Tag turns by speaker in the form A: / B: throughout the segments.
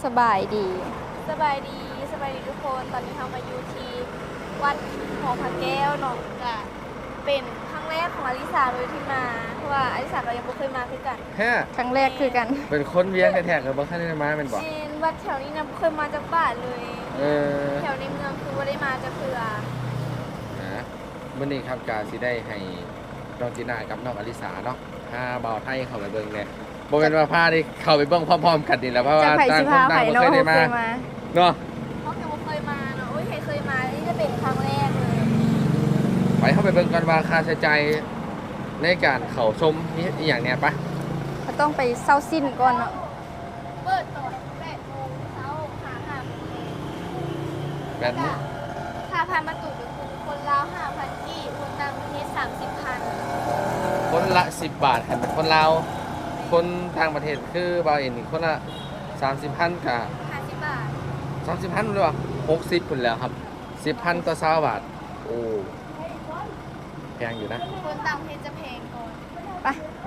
A: สบายดี
B: สบายดีทุกคนตอนนี้เรามาอยู่ที่วัดหอพระแก้วเนาะก็เป็นครั้งแรกของอลิสาเลยที่มาเพราะว่าอลิสาเรายังไม่เคยมาคือกัน
C: แฮ่
A: ครั้งแรกคือกัน
C: เป็นคนเวียงแท้ๆกับบ่คันได้มาแม่นบ่
B: วัดแถวนี้นะไม่เคยมาจากบ้านเลยแถวในเมืองคือว่าได้มาจากเพื่อ
C: มื้อนี้ครับกาสิได้ให้น้องจีน่ากับน้องอลิสาเนาะพาบ่าวไทยเข้าไปเบิ่งแน่บ่แม่นว่าพาได้เข้าไปเบิ่งพร้อมๆกันนี่แหละเพราะว่าต่างคนต่างบ่เคยได้มาเนาะ
B: เพราะยังไม่เคยมาเนาะโอ้ยเคยมานี่จะเป็นครั้งแรกเลย
C: ไปเข้าไปเบิ่งกันว่าค่าใช้จ่ายในการเข้าชมนี่อีหยังเนี่ยปะ
A: ก็ต้องไปเซาสิ้นก่อนเนาะ
B: เปิดตอน8 โมงเช้าหา5 โมง
C: แบบนี้
B: ค่าผ่านประตูก็คือคนลาว 5,000 กีบคนต่างประเทศ 30,000
C: คนละ10 บาทคันคนลาวคนต่างประเทศคือบ่าวเอ็นนี่คนละ30,000กับ
B: 50 บาท
C: 30,000หรือว่า60พุ่นแล้วครับ10,000ต่อ20 บาทโอ้แพงอยู่นะ
B: คนต่างประเทศจะแพงก่อน
C: ไป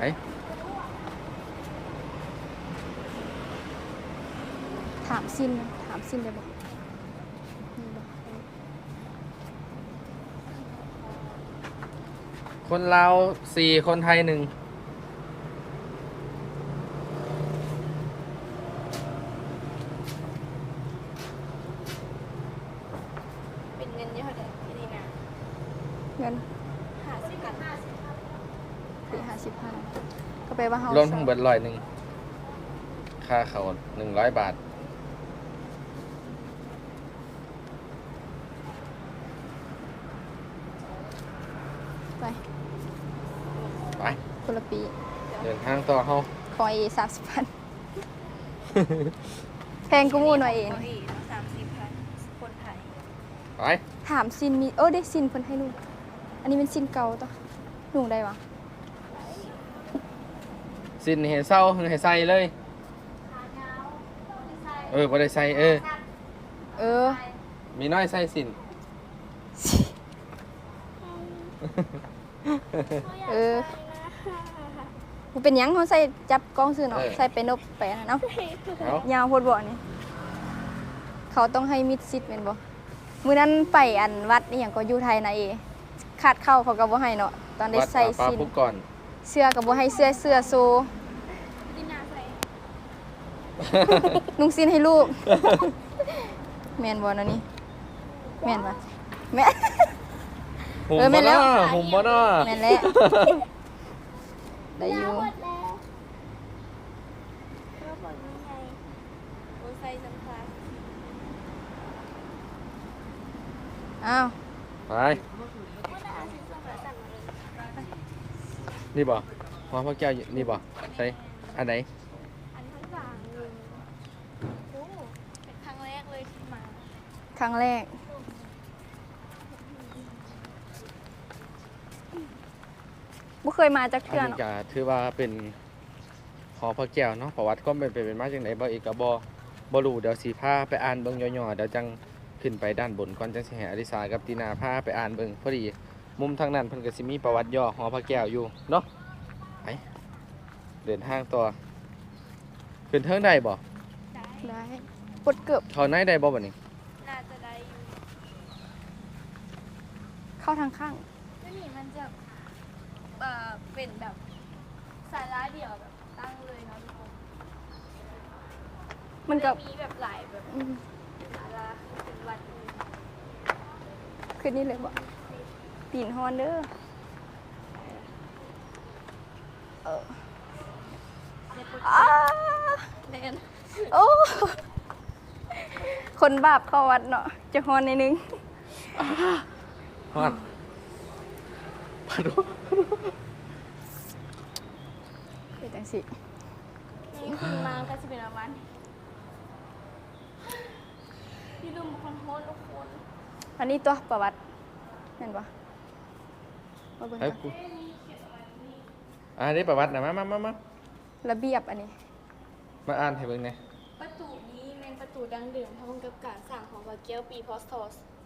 A: ถามสิ้นได้บ่
C: คนลาว4คนไทย1
B: เป็นเงินเยอะเท่าไหร่ที่นี่นะ
A: เงิน50,000ก็ไปว่าเฮาร
C: วมทั้งเบิด100ค่าเข้า100 บาทไป
A: คนละปี
C: เดินทางต่อเฮา
A: ขอ30,000แพงกูมูหน่อยเอง
B: 30,000คนไทย
C: ไป
A: ถามซินมีได้ซินเพิ่นให้ลูกอันนี้เป็นซินเก่าต่อหนูได้วะ
C: สินให้เศร้าให้ใส่เลยบ่ได้ใส่มีน้อยใส่สิน
A: มันเป็นหยังเขาใส่จับกล้องซื้อเนาะใส่ไปนบไปเนาะยาวโพดบ่นี่เขาต้องให้มิดซิดแม่นบ่มื้อนั้นไปอันวัดนี่หยังก็อยู่ไทยนะขาดเข้าเขาก็บ่ให้เนาะตอนได้ใส่ซินเสื้อก็บ่ให้เสื้อโซนุ่งซินให้ลูกแม่นบ่เนาะนี่แม่นบ่แม่แม่นแล้ว
C: หุ่มบ่เนาะ
A: แม่นแล้วได้อยู่อ้าว
C: ไปนี่บ่หอพระแก้วนี่บ่ใส่อันไหน
B: อันทั้งสามเลยโอ้เป็นครั้งแรกเลยที่มา
A: ครั้งแรกบ่เคยมาจากเทื่อเนาะ
C: ถือว่าเป็นหอพระแก้วเนาะประวัติก็เป็นมาจังได๋บ่อีกก็บ่รู้เดี๋ยวสิพาไปอ่านเบิ่งย่อๆเดี๋ยวจังขึ้นไปด้านบนก่อนจังสิให้อลิสากับตีนาพาไปอ่านเบิ่งพอดีมุมทางนั้นเพิ่นก็สิมีประวัติย่อหอพระแก้วอยู่เนาะไปเดินทางต่อขึ้นเทิงได้บ่
A: ได้ปดเกือบ
C: เข้าในได้บ่บัดนี้
B: น่าจะได้อยู่
A: เข้าทางข้าง
B: นี่มันจะเป็นแบบศาลาเดียวแบบตั้งเลยเนาะทุกคน
A: มันก็
B: มีแบบหลายแบบศาลาเป็นวัด
A: ขึ้นนี่เลยบ่ตีนฮอนเด้อ
B: เล่น
A: โอ้คนบาปเข้าวัดเนาะจะฮอนในนึง
C: ฮอนพาดู
A: เป็นจังสิ
B: นี่คุณมาก็จะเป็นประมาณพี่ลืมคนโหดทุกคน
A: อันนี้ตัวประวัติเห็นปะมาเบิ่งกัน
C: ได้ประวัตินะมา
A: ระเบียบอันนี้
C: มาอ่านให้เบิ่งหน่อย
B: ประตูนี้เป็นประตูดั้งเดิมพร้อมกับการสร้างของพระแก้วปีพ.ศ.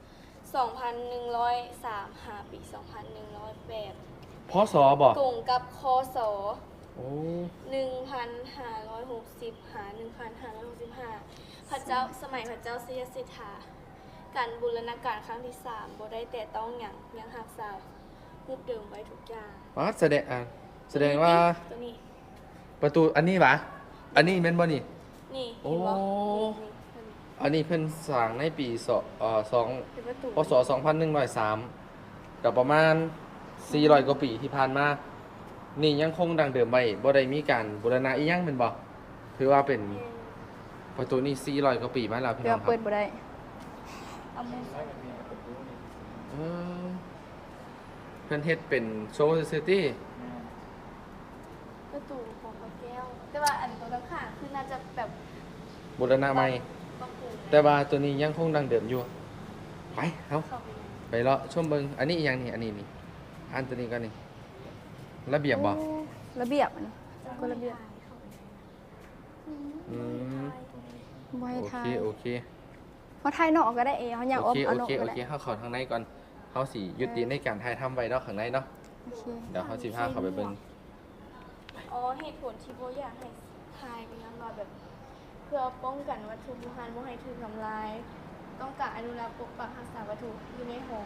B: 2103 ปี 2108
C: พ.ศ. บ่
B: ตรงกับค.ศ.
C: โอ้
B: 1560หา1565พระเจ้าสมัยพระเจ้าสิยสิทธาการบูรณาการครั้งที่3บ่ได้แต่ต้องหยังรักษารูปเดิมไว้ทุกอย่าง
C: อ๋อแสดงว่า
B: ตัวนี้
C: ประตูอันนี้ปะอันนี้แม่นบ่นี่
B: นี่
C: โอ้
B: เห็นบ่นี่
C: อันนี้เพิ่นสร้างในปี
B: เป็นประตู
C: พศ2103ก็ประมาณ400กว่าปีที่ผ่านมานี่ยังคงดังเดิมไว้บ่ได้มีการบูรณะอีหยังแม่นบ่ถือว่าเป็นประตูนี้400กว่าปีมาแล้วพี่
A: เดี๋ย
C: น้
A: ว
C: องครั
A: เปิด
C: บ
A: บ่ได้
B: เอามือ
C: เออเพิ่นเฮ็ดเป็นโชว์ซื่อๆติ
B: ประตูของพระแก้ว แต่ว่าอันตัวข้างๆคือน่าจะแบบ
C: บูรณะใหม่
B: ปรับปรุง
C: แต่ว่าตัวนี้ยังคงดังเดิมอยู่ไปเฮา
B: เข้าไปเลย
C: ไปเลาะชมเบิงอันนี้อีกอย่างนี่อันนี้นี่อันตัวนี้ก็นี่ระเบียบบ่
A: โอ้ระเบียบอันนี้ก็ระเบียบ
C: อืม
A: บ่ให้
C: โอ
A: ทา
C: เค
A: ย
C: โอเค
A: เฮาทายนอกก็ได้เฮาอยาก
C: โอ
A: อม
C: เค
A: เอา
C: โอน
A: อก
C: เค
A: ก็
C: โอ
A: ได้
C: เคเฮาเข้าทางในก่อนเฮาสิยุติในการถ่ายทำไว้เนาะข้างในเนาะ
A: โอเค
C: เดี๋ยวเฮาสิพาเข้าไปเบิ่ง
B: อ๋อเหตุผลที่โบอยากให้ทายเป็นยังไงแบบ เพื่อป้องกันวัตถุโบราณบ่ให้ถูกทำลาย ต้องการอนุรักษ์ปกปักรักษาวัตถุอยู่ในหอ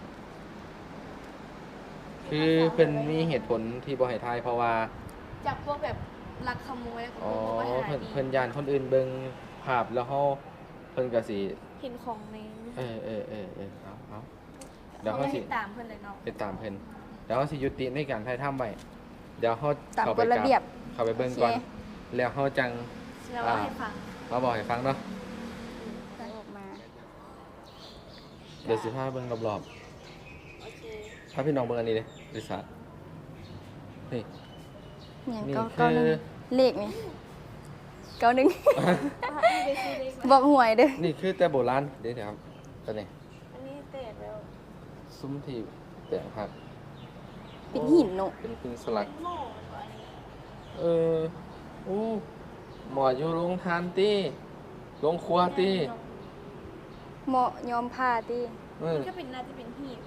C: คือเพิ่นมีเหตุผลที่บ่ให้ถ่ายเพราะว่า
B: จากพวกแบบลักขโมยแล้วก็
C: อ๋อ
B: พวกว่าหา
C: เพิ่น
B: ดี
C: เพิ่นย่านคนอื่นเบิ่งภาพแล้วเฮาเพิ่นก็สิ
B: เห็นของใน
C: เอาเดี๋ยว
B: เขา
C: เฮาสิ
B: ให้ตามเพื่อนเลยเนาะ
C: ไปตามเพิ่นเดี๋ยวเฮาสิยุติในการถ่ายทำไว้เดี๋ยวเฮา
A: ตาม
C: เข้าก ไป
A: ฎระเบียบ
C: เข้าไปเบิ่งก่อน
A: โอเค
C: แล้วเฮาจัง
B: แล้วว่าให้ฟัง
C: มาบอกให้ฟังเนาะ
A: ออกมา
C: เดี๋ยวสิพาเบิ่งรอบ
B: โอเค
C: ๆพาพี่น้องเบิ่งอันนี้เลยบริษัทนี่
A: เนี่ย
C: นี่
A: ก็
C: คือ
A: เก้าหนึ่งเลขนี่เก้าหนึ่ง
B: ไปซื้อเลขมา
A: บอกหวยเด้อ
C: นี่คือแต่โบราณเดี๋ยวครับตัวนี้
B: อันนี้เตะแล้ว
C: ซุ้มที่แต่งผัก
A: เป็นหินเนาะ
C: เป็นหินสลัก
B: เป็นหม้อหรือว่าอันนี้
C: เอออู้หมออยู่โรงทานตีโรงครัวตี
A: เหมาะยอมผ้าติ
C: เออ
B: ก็เป็นน่าจะเป็นหีบ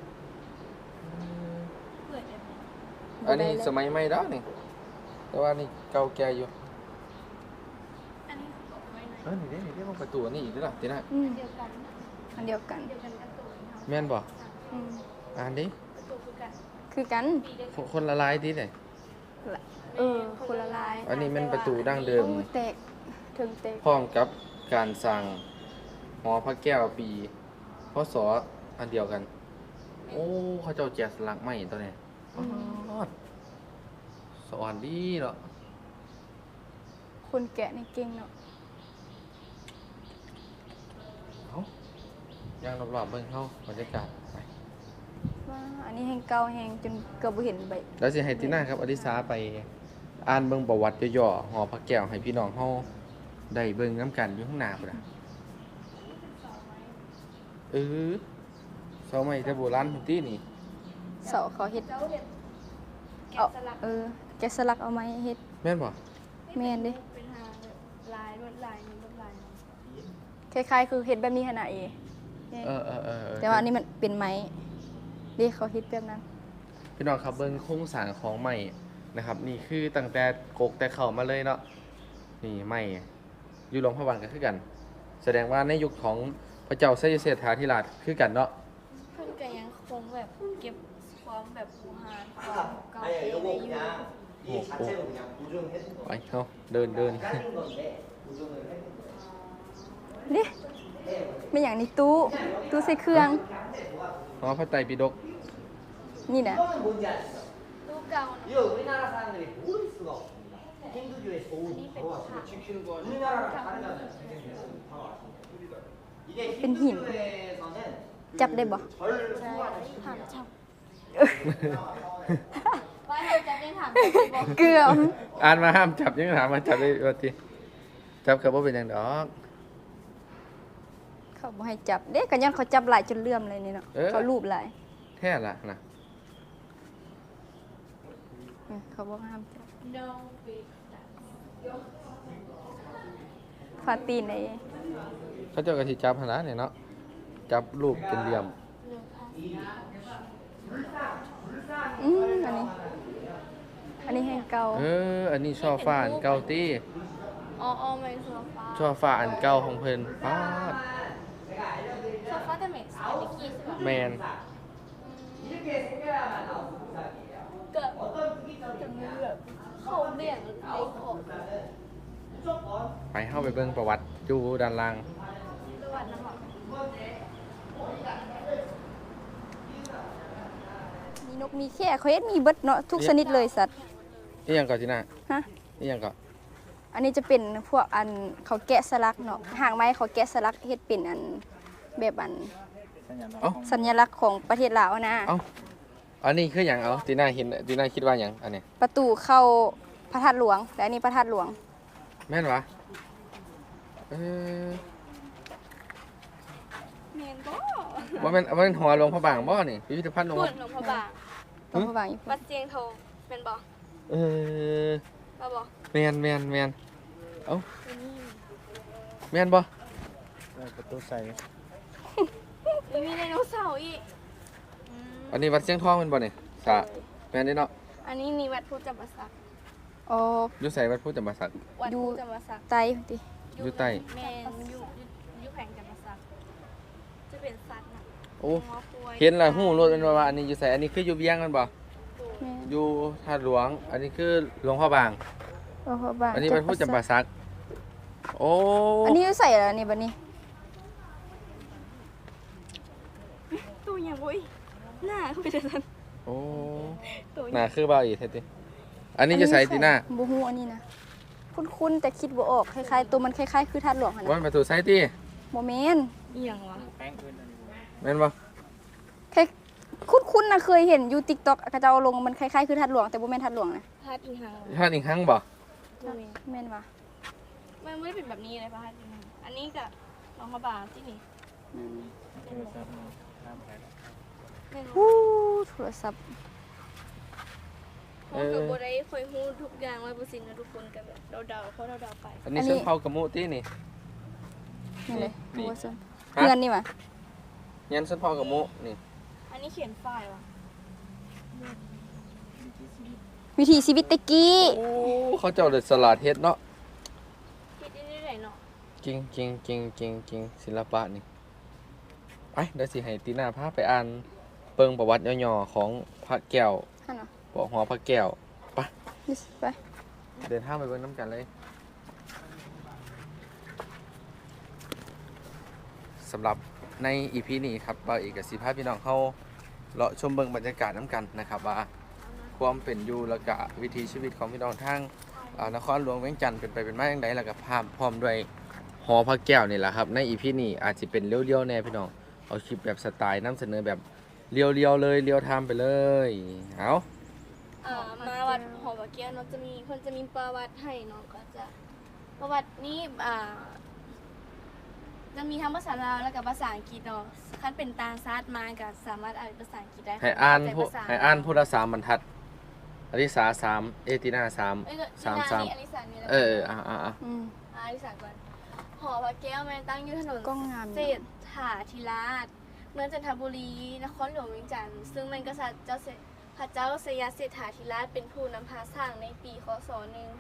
B: เปิดได้ไหม
C: อันนี้สมัยใหม่แล้วนี่แต่ว่านี่เก่าแก่อยู่
B: อันนี้คือเอาไว้ไหน
C: นี่เด้นี่เด้ประตูอันนี้อีกด้วยล่ะตีน่ะ
A: อืม
B: เดียวกัน
A: อันเดียวกัน
B: เดียวกันกับตัวนี้ค่ะ
C: แม่นบ่
A: อืม
C: อ่านดิ
B: ประตูคือกัน
A: คือกัน
B: ปีเดียว
C: คนละลายดิเลย
A: คนละลาย
C: อันนี้มันประตูดั้งเดิม
A: โอ้แตกถึงแตก
C: พร้อมกับการสั่งหอพระแก้วปีพศอันเดียวกัน โอ้เขาเจ้าแจกสลักใหม่ตัวนี้สวรรค์ดีเนาะ
A: คนแกะนี่เก่งเนาะ
C: เอ้าย่างรอบๆเบิ่งเฮาบรรยากาศไป
A: ว่าอันนี้แห่งเก่าแห่งจนเกือบบ่เห็นใบ
C: แล้วสิให้ติน่าครับอดิสาไปอ่านเบิ่งประวัติย่อๆหอพระแก้วให้พี่น้องเฮาได้เบิ่งน้ำกันอยู่ข้างหน้าพุ่นน่ะเออเสาไม้แต่โบราณพุ่นตินี่
A: เสาเขาเฮ็ด
B: เจ้าเห็ดแกะ
A: เอา
B: สลัก
A: แกะสลักเอาไม้เฮ็ด
C: แม่นบ่
A: แม่นเด้
B: เป็นหางแบบลายลวดลายนี้ลวดลายนี้
A: คล้ายๆคือเฮ็ดแบบนี้ขนาดเอ
C: เออ
A: แต่ว่าอันนี้มันเป็นไม้เด้เขาเฮ็ดแบบนั้น
C: พี่น้องครับเบิ่งโครงสร้างของไม้นะครับ นี่คือตั้งแต่กกแต่เข้ามาเลยเนาะนี่ไม้อยู่หลวงพระบางก็คือกัน แสดงว่าในยุคของพระเจ้าไสยเสถาธิราชคือกันเนาะ
B: เพิ่นก็ยังคงแบบเก็บความแบบโบราณความเก่าแก่ไว้อยู่
D: 이 자체로 그냥 보존을 해준
C: ไป
D: 거예요.
C: เฮาเดิน
D: 잘린 건데 보존을 해준 거예요.
A: เด้ไม่อย่างนี้ตู้ใส่เครื่อง
C: หอพระไตรปิฎก
A: นี่นะ
D: 이거는 뭔지 아시죠?
B: ตู้เก่าเนาะ
D: 이거 우리나라 사람들이 모를 수가 없습니다. 힌두교의 좋은 바로 왔습니다. 우리나라랑 다르잖아요. 바로 왔습니다. 이게
A: เป็นหิน
D: 힌두교에서는
A: จับได้บ่
D: 절
B: ใช่
D: 소환을
B: ถาม
D: 시키고
B: จับว่าให้จับยังถามจับได้บอก
A: เกือบ
C: อ่านมาห้ามจับยังถามมาจับได้ว่าติจับก็บ่เป็นหยังดอก
A: เขาบ่ให้จับเด้กันยันเขาจับหลายจนเลื่อมเลยนี่เนาะ
C: เออ
A: เขารูปหลาย
C: แท้ล่ะนะ
A: เขาบอกห้ามจับ
B: no big
A: ฟาตีนไอ้
C: เขาเจ้าก็สิจับหั่นล่ะเนี่ยเนาะจับรูปเป็นเหลี่ยม
A: อันนี้
B: ใคร
A: อันนี้แห่งเก่า
C: อันนี้ช่อฟ้าอันเก่าติ
B: อ๋อๆมันคือฟ้า
C: ช่อฟ้าอันเก่าของเพิ่นป๊าด
B: โซฟาแต่เหม็นสายตะกี้ใช่ปะ
C: แมน
B: เกิดจะมีแบบเขาเบี่ยงไอ้ของ
C: ไปเข้าไปเบิ่งประวัติอยู่ด้านล่าง
B: ประวัตินะคะ
A: มีนกมีแค่เขาเฮ็ดมีเบิดเนาะทุกชนิดเลยสัตว์
C: นี่ยังก่อนจีน่า
A: ฮะ
C: นี่ยังก่อน
A: อันนี้จะเป็นพวกอันเขาแกะสลักเนาะหางไม้เขาแกะสลักเฮ็ดเป็นอันแบบอัน
C: เอ้า
A: สัญลักษณ์ของประเทศลาวนะ
C: เอ้าอันนี้คืออย่างเอาจีน่าเห็นจีน่าคิดว่าอย่างอันเนี้ย
A: ประตูเข้าพระธาตุหลวงและอันนี้พระธาตุหลวง
C: แม่นวะเออ
B: เมนบ่
C: ว่ามันหัวหลวงพระบางบ่นี่พิพิธภัณฑ์หลวง
B: พูดหลวงพ่อบาง
A: หลวงพระบางอยู่
B: วัดเจียงทองเป็นบ่
C: เออ
B: มาบ่
C: แม่นเอ้าแม่นบ่
E: ประตูใส่
B: มีไดโนเสาร์อีก
C: อันนี้วัดเชียงทองแม่นบ่นี่สะแม่นเด้เนาะ
B: อันนี้มีวัดพุทธจำปาสัก
A: อ๋อ
C: อยู่ไสวัดพุทธจำปาสัก
B: วัด
A: อยู่
B: พุทธจำปาสัก
A: ไตติ
C: อยู่ใต้
B: แมนอยู่แข่งจำปาสักจะเป็นสัตว์นะ
C: โอ้
B: หัวกล้วย
C: เห็นและฮู้รถแม่นว่าอันนี้อยู่ไสอันนี้คืออยู่เวียงแม่นบ่
A: แม่น
C: อยู่ธาตุหลวง อันนี้คือหลวงพ่อบาง
A: หลวงพระบาง
C: อันนี้วัดพุทธจำปาสักโอ้
A: อันนี้ใส่อะไรนี่บัดนี้
B: ตัวอย่างบุ้ยหน้าเขาเป็นสัน
C: โอ้
B: ตัว
C: น่าคือบ่าวอีกแท้ติอันนี้จะใส่ตีหน้า
A: บ่ฮู้อันนี้นะคุ้นๆแต่คิดบ่ออกคล้ายๆตัวมันคล้ายๆคือธาตุหลวงหั่น
C: ว่า
A: น่ะ
C: มันประตูใส่ติ
A: บ่แม่น
B: อย่างวะ
C: แม่นบ่
A: คล้ายคุ้นๆนะเคยเห็นอยู่ TikTok เขาเจ้าเอาลงมันคล้ายๆคือธาตุหลวงแต่บ่แม่นธาตุหลวงนะ
B: พาดอินหัง
C: ท่านอีกครั้งบ่
B: ตัวเอง
A: แม่นว่ะ
B: มันไม่ได้เป็นแบบนี้เลยพาดอินหังอันนี้กับหลวงพ่อบางที่นี่
A: อืม
B: ไม่รู้
A: ฮู้โทรศัพท์
B: เพราะกับโบได้คอยฮู้ทุกอย่างไว้บุสินนะทุกคนกับแบบเดาๆเขาเดาๆไป
C: อันนี้เส้นเผากระมุตินี่
A: นี่เลย
C: นี่
A: โอ้ซั่น
C: ฮะ
A: เงินนี่ว่ะ
C: ยันเส้นเผากระมุนี่
B: อันนี้เขียนฝ้ายวะ
A: วิถีชีวิตตะกี้
C: โอ้เขาเจ้าเด็ดสลัดเฮ็ดเนาะ
B: คิดได้ไหนเนาะ
C: จริงศิลปะนี่ไปเดี๋ยวสิให้ตีหน้าพาไปอ่านเปิงประวัติย่อๆของพระแก้ว
A: หั่นน่ะ
C: ปอหอพระแก้วไป
A: นี่สิไป
C: เดินทางไปเบิ่งน้ำกันเลยสำหรับในอีพีนี้ครับบ่าวเอกกับสิพาพี่น้องเข้าเลาะชมเบิ่งบรรยากาศน้ำกันนะครับว่าความเป็นอยู่แล้วก็วิถีชีวิตของพี่น้องทางนครหลวงเวียงจันทน์เป็นไปเป็นมาอย่างไรแล้วก็พร้อมด้วยหอพระแก้วนี่แหละครับในอีพีนี้อาจจะเป็นเลี้ยวๆแน่พี่น้องเอาคลิปแบบสไตล์นำเสนอแบบเลี้ยวๆเลยเลี้ยวทำไปเลยเอา
B: มาวัดหอพระแก้วเนาะจะมีคนจะมีประวัติให้เนาะก็จะประวัตินี้จะมีทั้งภาษาลาวและกับภาษาอังกฤษเนาะคันเป็นตาซาดมาก็สามารถอ่านภาษาอังกฤษได้
C: ให้อ่าน
B: แต่
C: ผู้
B: ภษ
C: ให้อ่านผู้ละสามบรรทัดอริสาสามเอตินาสาม
B: เอ้ยก็
C: สาม
B: นี่
C: สาม
B: นี่อลิสานี่แหละ
A: อืม
B: อลิสาก่อนหอพระแก้วมันตั้งอยู่ถนน
A: กล้องงามอยู่
B: เศรษฐาธิราชเมืองจันทบุรีนครหลวงเวียงจันทน์ซึ่งมันกษัตริย์พระเจ้าสยามเศรษฐาธิราชเป็นผู้นำพาสร้างในปีคศ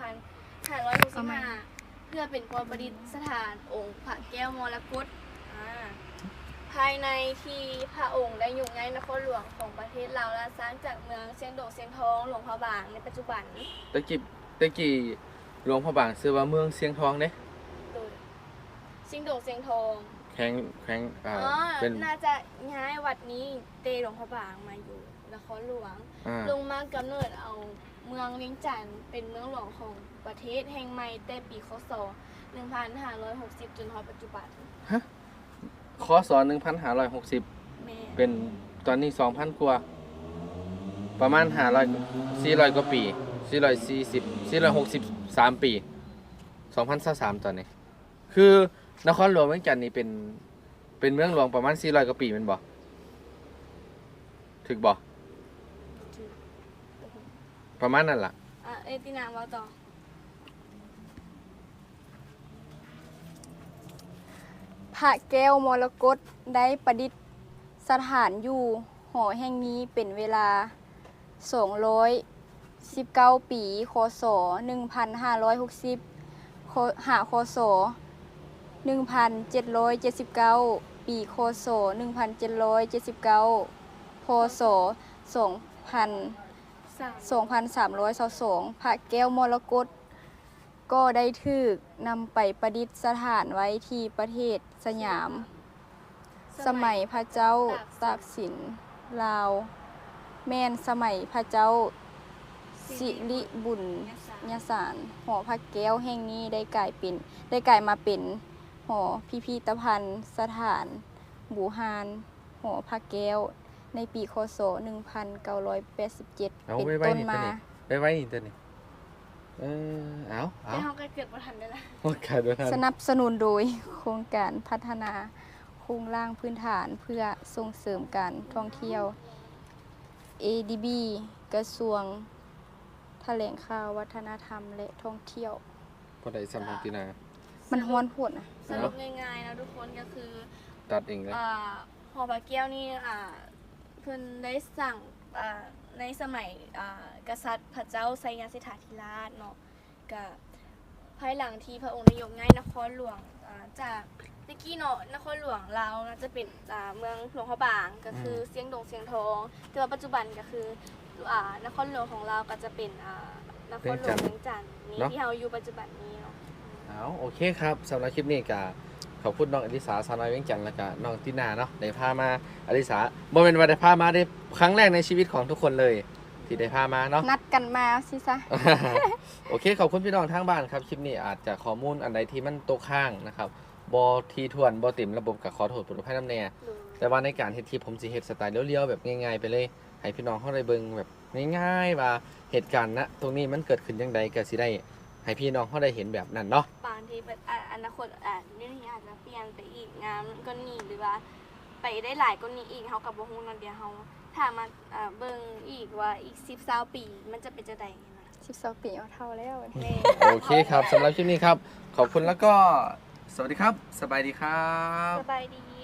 B: 1565 เพื่อเป็นความประดิษฐานองค์พระแก้วมรกตภายในที่พระองค์ได้อยู่ในนครหลวงของประเทศลาวและสร้างจากเมืองเชียงดงเชียงทองหลวงพระบางในปัจจุบัน
C: ตะกี้หลวงพระบางชื่อว่าเมืองเสียงทองเด้
B: โดยเชียงดงเชียงทอง
C: แข็งเป็น
B: น่าจะย้ายวัดนี้เตหลวงพระบางมาอยู่นครหลวง ลงมากำเนิดเอาเมืองเวียงจันทน์เป็นเมืองหลวงของประเทศแห่งใหม่แต่ปีคศ 1560 จนถึงปัจจุบัน
C: คศ1560
B: แม่
C: เป็นตอนนี้ 2,000 กว่า ประมาณ400 กว่าปี463 ปี2023ตอนนี้ คือนครหลวงเวียงจันทน์นี่เป็นเมืองหลวงประมาณ400 กว่าปีแม่นบ่ถึกบ่ประมาณนั้นล่ะ
B: เอตินาว่าต่อ
A: พระแก้วมรกตได้ประดิษฐานอยู่หอแห่งนี้เป็นเวลา 19 ปีคศ1560หาคศ1779 ปีคศ1779พศ2322พระแก้วมรกตก็ได้ถูกนำไปประดิษฐานไว้ที่ประเทศสยาม สมัยพระเจ้าตากสินลาว แม่นสมัยพระเจ้าสิริบุญญสารหอพระแก้วแห่งนี้ได้กลายมาเป็นหอพิพิธภัณฑ์สถานบูฮานหอพระแก้วในปีคศ1987 เป็นต้นมา
C: ไปไว้นี่ตัวนี้เอา
B: แต่เฮาก็เกิดบ่ทันได้ละ
C: โอเคด้วยท่าน
A: สนับสนุนโดยโครงการพัฒนาโครงร่างพื้นฐานเพื่อส่งเสริมการท่องเที่ยว ADB กระทรวงแถลงข่าววัฒนธรรมและท่องเที่ยว
C: พอได้สัมพันธ์ตินา
A: มันฮ้อนโพดนะ
B: สรุปง่ายๆนะทุกคนก็คือ
C: ตัดเองเลย
B: หอพระแก้วนี่เพิ่นได้สั่งในสมัยกษัตริย์พระเจ้าไสยสิทธาธิราชเนาะก็ภายหลังที่พระองค์ได้ยกย้ายนครหลวงจากตะกี้เนาะนครหลวงลาวจะเป็นเมืองหลวงพระบางก็คือเสียงดงเสียงทองแต่ว่าปัจจุบันก็คือนครหลวงของเราก็จะเป็นนครหลวงเวียงจันทน์นี่ที่เราอยู่ปัจจุบันนี้เนาะ
C: เอาโอเคครับสำหรับคลิปนี้ก็ขอบคุณน้องอลิสาสาวน้อยเวียงจันทน์แล้วก็น้องตินาเนาะได้พามาอลิสาบ่เป็นว่าได้พามาได้ครั้งแรกในชีวิตของทุกคนเลยที่ได้พามาเนาะ
A: นัดกันมาสิซะ
C: โอเคขอบคุณพี่น้องทางบ้านครับคลิปนี้อาจจะข้อมูลอันใดที่มันตกข้างนะครับบ่ทีทวนบ่เต็มระบบก็ขอโทษผู้รับให้น้ำแน่แต่ว่าในการเฮ็ดคลิปผมสิเฮ็ดสไตล์เลี้ยวๆแบบง่ายๆไปเลยให้พี่น้องเฮาได้เบิ่งแบบง่ายๆว่าเหตุการณ์ณตรงนี้มันเกิดขึ้นจังใดก็สิได้ให้พี่น้องเฮาได้เห็นแบบนั้นเนาะ
B: บางทีอนาคตนี่อาจจะเปลี่ยนไปอีกงามก็นี่หรือว่าไปได้หลายก็นี้อีกเฮากับบ่ฮู้นอนเดียวเฮาถ้ามาเบิ่งอีกว่าอีก10-20ปีมันจะเป็นจังได๋นะ
A: 12 ปีเอาเท่าแล้ว
B: แม่
C: โอเคครับสำหรับคลิปนี้ครับ ขอบคุณแล้วก็สวัสดีครับ สบายดีครับ
B: สบายดี